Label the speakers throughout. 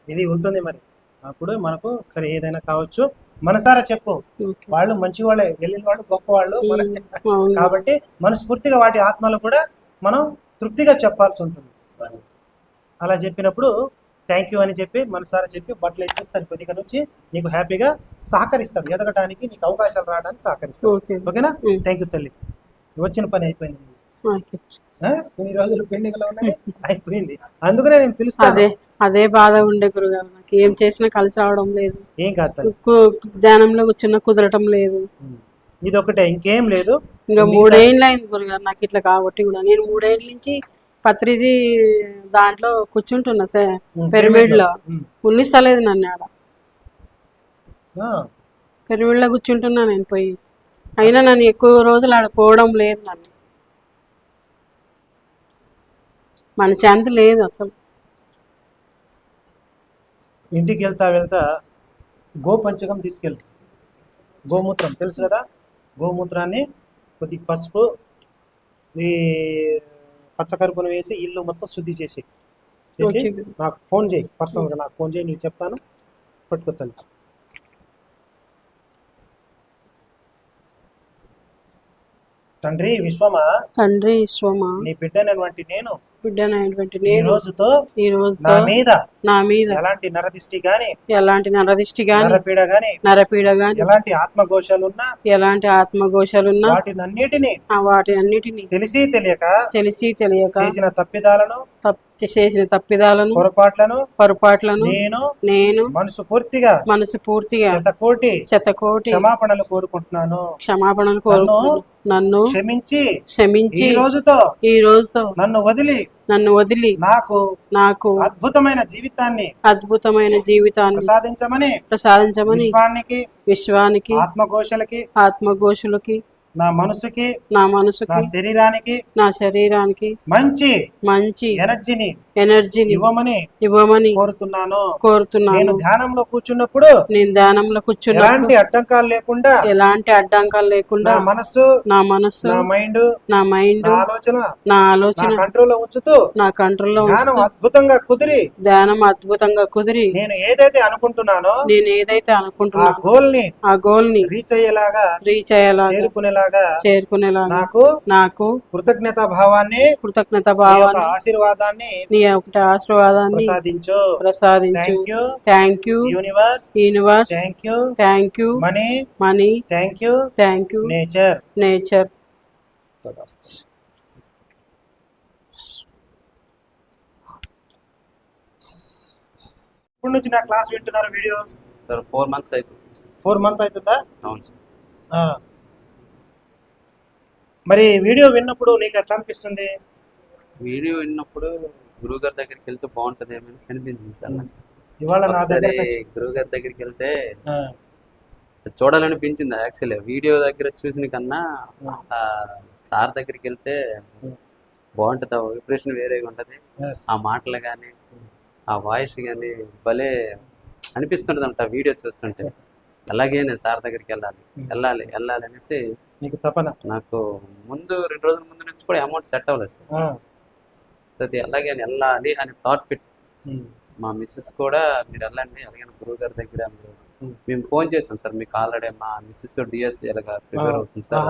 Speaker 1: ఇది ఉంటుంది మరి. అప్పుడు మనకు సరే ఏదైనా కావచ్చు, మనసారా చెప్పు. వాళ్ళు మంచి వాళ్ళే, వెళ్ళిన వాళ్ళు గొప్ప వాళ్ళు కాబట్టి మనస్ఫూర్తిగా వాటి ఆత్మలు కూడా మనం తృప్తిగా చెప్పాల్సి ఉంటుంది. అలా చెప్పినప్పుడు థ్యాంక్ యూ అని చెప్పి మనసారా చెప్పి బట్టలు ఇచ్చేస్తాను. కొద్దిగా నుంచి నీకు హ్యాపీగా సహకరిస్తాడు, ఎదగటానికి నీకు అవకాశాలు రావడానికి సహకరిస్తాడు. ఓకేనా? థ్యాంక్ యూ తల్లి, వచ్చిన పని అయిపోయింది. కొన్ని రోజులు పెండింగ్ లో ఉన్నది అయిపోయింది, అందుకనే నేను పిలుస్తాను.
Speaker 2: అదే బాధ ఉండే గురుగారు, నాకు ఏం చేసినా కలిసి రావడం లేదు.
Speaker 1: ఏం కాదు,
Speaker 2: ధ్యానంలో కూర్చున్న కుదరటం లేదు.
Speaker 1: ఇది ఒకటే, ఇంకేం లేదు.
Speaker 2: ఇంకా 3 ఏళ్ళు అయింది గురుగారు నాకు ఇట్లా కాబట్టి కూడా. నేను 3 ఏళ్ళ నుంచి పత్రిజీ దాంట్లో కూర్చుంటున్నా సార్, పిరమిడ్ లో. ఉన్నిస్తలేదు నన్ను ఆడ, పిరమిడ్ లో కూర్చుంటున్నా నేను పోయి. అయినా నన్ను ఎక్కువ రోజులు ఆడ పోవడం లేదు. నన్ను మన శాంతి లేదు అసలు.
Speaker 1: ఇంటికి వెళ్తా గోపంచకం తీసుకెళ్తా. గోమూత్రం తెలుసు కదా, గోమూత్రాన్ని కొద్దిగా పసుపు ఈ పచ్చకరుపును వేసి ఇల్లు మొత్తం శుద్ధి చేసి నాకు ఫోన్ చేయి, పర్సనల్గా నాకు ఫోన్ చేయి, నీకు చెప్తాను, పట్టుకొస్తాను. తండ్రి విశ్వమా,
Speaker 2: తండ్రి విశ్వమా,
Speaker 1: నీ బిడ్డనటువంటి నేను
Speaker 2: ఈ
Speaker 1: రోజుతో నా మీద ఎలాంటి నరదిష్టి గాని నరపీడ గాని ఎలాంటి ఆత్మఘోషాలున్నా వాటినన్నిటిని తెలిసి తెలియక చేసిన తప్పిదాలను పొరపాట్లను నేను మనసు పూర్తిగా శతకోటి క్షమాపణలు కోరుకుంటున్నాను. నన్ను క్షమించి ఈ రోజుతో నన్ను వదిలి నాకు అద్భుతమైన జీవితాన్ని ప్రసాదించమని విశ్వానికి ఆత్మఘోషులకి నా మనసుకి నా శరీరానికి మంచి ఎనర్జీని ఇవ్వమని కోరుతున్నాను. నేను ధ్యానంలో కూర్చున్నప్పుడు ఎలాంటి అడ్డంకాలు లేకుండా నా మనస్సు నా మైండ్ నా ఆలోచన నా కంట్రోల్లో ధ్యానం అద్భుతంగా కుదిరి నేను ఏదైతే అనుకుంటున్నాను ఆ గోల్ ని రీచ్ అయ్యేలాగా చేరుకునేలాగా నాకు కృతజ్ఞత భావాన్ని ఆశీర్వాదాన్ని ప్రసాదించు. Thank you universe, thank you money, thank you nature. ఇప్పటి నుంచి నా క్లాస్ వింటున్నారు వీడియో
Speaker 3: సార్? 4 months అయిపోయింది.
Speaker 1: 4 months అవుతుందా?
Speaker 3: అవును సార్.
Speaker 1: మరి వీడియో విన్నప్పుడు నీకు ఎట్లా అనిపిస్తుంది?
Speaker 3: వీడియో విన్నప్పుడు గురువు గారి దగ్గరికి వెళ్తే బాగుంటది ఏమైనా అనిపించింది సార్.
Speaker 1: ఇవాళ నా
Speaker 3: గురువు గారి దగ్గరికి వెళ్తే చూడాలనిపించింది. యాక్చువల్లీ వీడియో దగ్గర చూసిన కన్నా సార్ దగ్గరికి వెళ్తే బాగుంటుంది. ఆ వైబ్రేషన్ వేరేగా ఉంటది, ఆ మాటలు కానీ ఆ వాయిస్ కానీ భలే అనిపిస్తుంటది అంట వీడియో చూస్తుంటే. అలాగే నేను సార్ దగ్గరికి వెళ్ళాలి అనేసి
Speaker 1: నీకు తపన.
Speaker 3: నాకు ముందు 2 రోజుల ముందు నుంచి కూడా అమౌంట్ సెట్ అవ్వలేదు సార్. అది అలాగే వెళ్ళాలి అని థాట్ పెట్టి మా మిస్సెస్ కూడా మీరు వెళ్ళండి అలాగే గురువు గారి దగ్గర మేము ఫోన్ చేసాం సార్. మీకు ఆల్రెడీ మా మిస్సెస్ డిఎస్సి ఎలాగా ప్రిపేర్ అవుతుంది సార్,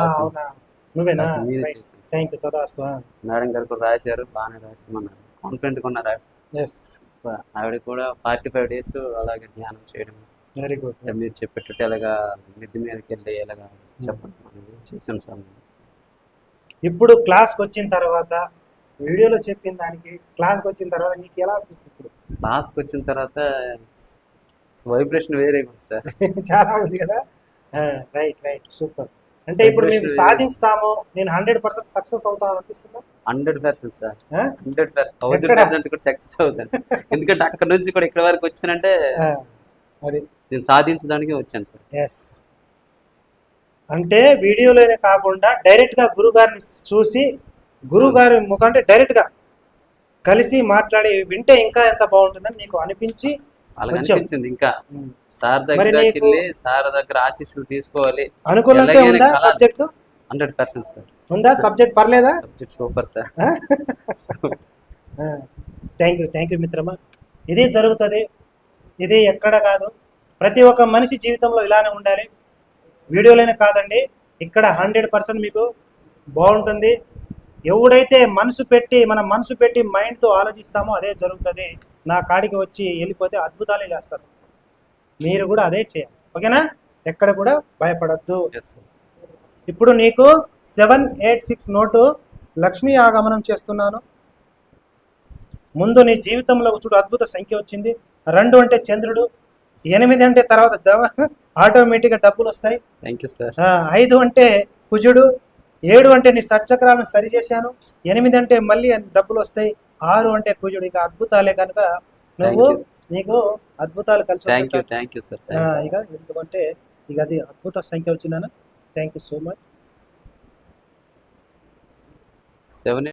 Speaker 3: మేడం గారు కూడా రాశారు, బాగానే రాసామన్నారు, కాన్ఫిడెంట్గా ఉన్నారు. ఆవిడ కూడా 45 days అలాగే ధ్యానం చేయడం,
Speaker 1: వెరీ గుడ్,
Speaker 3: మీరు చెప్పేటట్టు ఎలాగా మిద్ది మీదకి వెళ్ళి ఎలాగా చెప్పడం చేసాం సార్.
Speaker 1: ఇప్పుడు క్లాస్కి వచ్చిన తర్వాత వీడియోలో చెప్పిన దానికి క్లాస్కి వచ్చిన తర్వాత నీకు ఎలా అనిపిస్తుంది? ఇప్పుడు
Speaker 3: క్లాస్కి వచ్చిన తర్వాత వైబ్రేషన్ వేరే ఉంది సార్.
Speaker 1: చాలా ఉంది కదా. Right super. అంటే ఇప్పుడు మేము సాధిస్తాము, నేను 100% సక్సెస్ అవుతాను అనిపిస్తుందా?
Speaker 3: 100% సార్, 100%, 1000% కూడా సక్సెస్ అవుతాను. ఎందుకంటే అక్కడ నుంచి కూడా ఇక్కడ వరకు వచ్చానంటే
Speaker 1: అది
Speaker 3: నేను సాధించడానికి వచ్చాను సార్.
Speaker 1: ఎస్, అంటే వీడియోలోనే కాకుండా డైరెక్ట్గా గురుగారిని చూసి గురుగారి ముఖం అంటే డైరెక్ట్గా కలిసి మాట్లాడి వింటే ఇంకా ఎంత బాగుంటుందని నీకు అనిపించి
Speaker 3: అనిపించింది. ఇంకా సార్ దగ్గరికి వెళ్ళి సార్ దగ్గర ఆశీస్సులు తీసుకోవాలి
Speaker 1: అనుకున్నట్టే ఉందా సబ్జెక్టు?
Speaker 3: 100% సార్.
Speaker 1: ఉందా సబ్జెక్ట్? పర్లేదా?
Speaker 3: Subject super sir.
Speaker 1: Thank you మిత్రమా. ఇది జరుగుతుంది. ఇది ఎక్కడ కాదు, ప్రతి ఒక్క మనిషి జీవితంలో ఇలానే ఉండాలి. వీడియోలోనే కాదండి, ఇక్కడ 100% మీకు బాగుంటుంది. ఎవడైతే మనం మనసు పెట్టి మైండ్తో ఆలోచిస్తామో అదే జరుగుతుంది. నా కాడికి వచ్చి వెళ్ళిపోతే అద్భుతాలే చేస్తారు. మీరు కూడా అదే చేయాలి, ఓకేనా? ఎక్కడ కూడా భయపడద్దు. ఇప్పుడు నీకు 786 నోటు లక్ష్మీ ఆగమనం చేస్తున్నాను. ముందు నీ జీవితంలో చూడు అద్భుత సంఖ్య వచ్చింది. 2 అంటే చంద్రుడు, 8 అంటే తర్వాత ఆటోమేటిక్గా డబ్బులు వస్తాయి. 5 అంటే కుజుడు, 7 అంటే నీ సచ్చక్రాలను సరిచేశాను, 8 అంటే మళ్ళీ డబ్బులు వస్తాయి, 6 అంటే కుజుడు. ఇక అద్భుతాలే కనుక నీకు అద్భుతాలు కలిసి వస్తాయి. ఇక ఎందుకంటే ఇక అది అద్భుత సంఖ్య వచ్చిందన్న. Thank you so much.